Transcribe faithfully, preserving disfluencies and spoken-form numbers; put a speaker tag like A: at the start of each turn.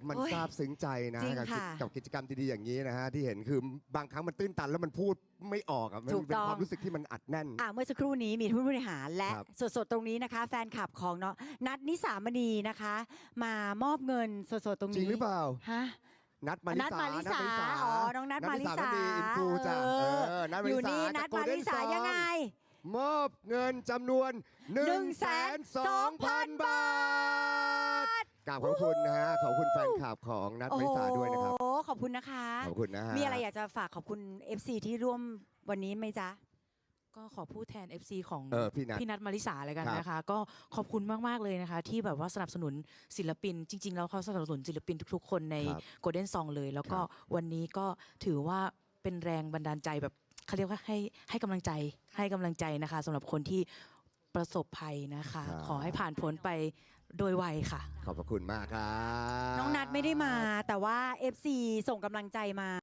A: มัน
B: โอ้ย
A: ซาบซึ้งใจนะ
B: จริง
A: กับ
B: ค่ะ
A: กับกิจกรรมดีๆอย่างนี้นะฮะที่เห็นคือบางครั้งมันตื้นตันแล้วมันพูดไม่ออกอ่ะมัน
B: ถูก
A: เป็น
B: ต้อง
A: ความรู้สึกที่มันอัดแน่น
B: อ่าเมื่อสักครู่นี้มีผู้บริหารและ
A: ครับ
B: สดๆตรงนี้นะคะ แฟนคลับของเนาะนัดนิสามณีนะคะ มามอบเงินสดๆตรงนี้
A: จริงหรือเปล่า
B: ฮะ
A: นัดมาริ
B: นัด
A: สา
B: มาริสา
A: นัด
B: อ๋อน้องนัดมาริสา
A: นัดอินฟูจ้ะ
B: เอ
A: เอ
B: อ
A: อนัดมา
B: อ
A: ริ
B: ยู่
A: สา
B: นี่นัด
A: จาก
B: มาริสา
A: Golden
B: ยังไง
A: Song มอบเงินจำนวน1นึ่งแสนสองพันบาทกราบขอบคุณนะฮะขอบคุณแฟนคลับของนัดมาริสาด้วยนะครับ
B: โอ้ขอบคุณนะคะ
A: ขอบคุณนะฮะ
B: มีอะไรอยากจะฝากขอบคุณ เอฟ ซี ที่ร่วมวันนี้ไหมจ๊ะ
C: ก็ขอพูดแทน เอฟ ซี ของ
A: เออพี่นัท
C: พี่นัทมาริสาเลยกัน
A: ครับ
C: นะคะ ก็ขอบคุณมาก ๆ เลยนะคะ ที่แบบว่าสนับสนุนศิลปิน จริง ๆ แล้วเขาสนับสนุนศิลปินทุก ๆ คนใน
A: ครับ
C: Golden Song เลย แล้วก็
A: ครับ
C: วันนี้ก็ถือว่าเป็นแรงบันดาลใจแบบเขาเรียกว่าให้ให้กำลังใจให้กำลังใจนะคะสำหรับคนที่ประสบภัยนะคะ
A: ครับ
C: ขอให้ผ่านพ้นไปโดยไวค่ะ
A: ขอบพระคุณมากครับ
B: น้องนัดไม่ได้มาแต่ว่า เอฟ ซี ส่งกำลังใจมา